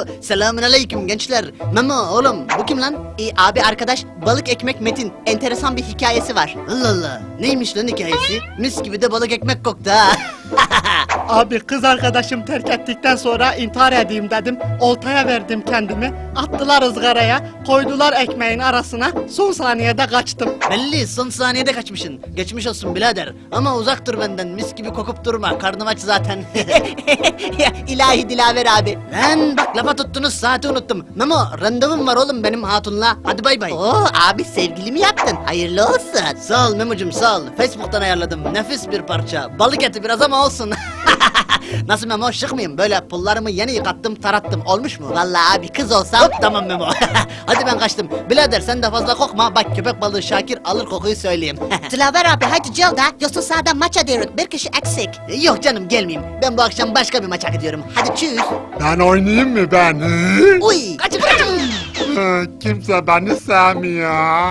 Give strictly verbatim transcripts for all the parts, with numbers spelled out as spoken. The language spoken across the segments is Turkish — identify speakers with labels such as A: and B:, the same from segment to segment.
A: Oo, selamünaleyküm gençler. Memo oğlum bu kim lan?
B: Ee, abi arkadaş balık ekmek Metin. Enteresan bir hikayesi var.
A: Allah Allah. Neymiş lan hikayesi? Mis gibi de balık ekmek koktu ha.
C: Abi kız arkadaşım terk ettikten sonra intihar edeyim dedim. Oltaya verdim kendimi. Attılar ızgaraya. Koydular ekmeğin arasına. Son saniyede kaçtım.
A: Belli son saniyede kaçmışsın. Geçmiş olsun birader. Ama uzak dur benden. Mis gibi kokup durma. Karnım aç zaten.
B: Ya, İlahi Dilaver abi.
A: Lan bak lafa tuttunuz saati unuttum. Memo randevum var oğlum benim hatunla. Hadi bay bay.
B: Oo abi sevgili mi yaptın? Hayırlı olsun.
A: Sağ ol Memo'cum sağ ol. Facebook'tan ayarladım. Nefis bir parça. Balık eti biraz ama olsun. Nasıl Memo şık mıyım? Böyle pullarımı yeni yıkattım tarattım. Olmuş mu?
B: Vallahi abi kız olsam.
A: Hop tamam Memo. Hadi ben kaçtım. Birader sen de fazla kokma. Bak köpek balığı Şakir alır kokuyu söyleyeyim.
B: Dilaver abi hadi gel da. Yoksa sahada maça diyoruz. Bir kişi eksik.
A: Yok canım gelmeyeyim. Ben bu akşam başka bir maça gidiyorum. Hadi çüz.
D: Ben oynayayım mı ben? Hı?
A: Uy kaçın kaçın.
D: Hı, Kimse beni sevmiyor.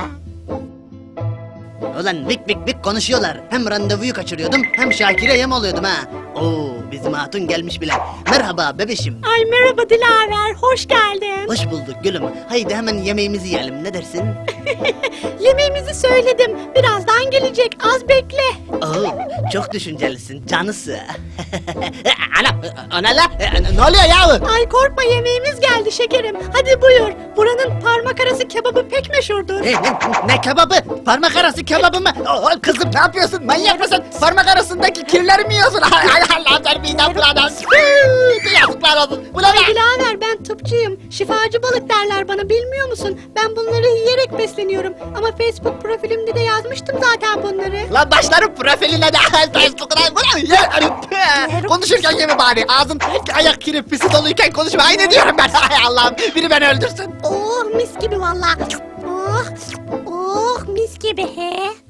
A: Ulan vik vik vik konuşuyorlar. Hem randevuyu kaçırıyordum hem Şakir'e yem oluyordum ha. Oo bizim hatun gelmiş bile. Merhaba bebişim.
E: Ay merhaba Dilaver, hoş geldin.
A: Hoş bulduk gülüm. Haydi hemen yemeğimizi yiyelim ne dersin?
E: Yemeğimizi söyledim, birazdan gelecek, az bekle.
A: Oo çok düşüncelisin canısı. Ana, ana la ne oluyor yahu?
E: Ay korkma yemeğimiz geldi şekerim, hadi buyur. Buranın parmak arası kebabı pek meşhurdur.
A: Ne, ne, ne kebabı? Parmak arası kebabı mı? Oo, kızım ne yapıyorsun? Manyak mısın? Parmak arasındaki kirleri mi yiyorsun? Ay ay Allah sen midem bulanır. Yazıklar olsun. Bu ne
E: Ay
A: be?
E: Dilaver ben tıpçıyım, şifacı balık derler bana bilmiyor musun? Ben bunları yiyerek besleniyorum ama Facebook profilimde de yazmıştım zaten bunları.
A: Lan başlarım profiline de Facebook'una. Bu ne? Ya, konuşurken yeme bari. Ağzın ayak kiri pisi doluyken konuşma. Aynı diyorum ben. Ay Allah'ım biri beni öldürsün.
E: Oh mis gibi valla. Oh, oh mis gibi he.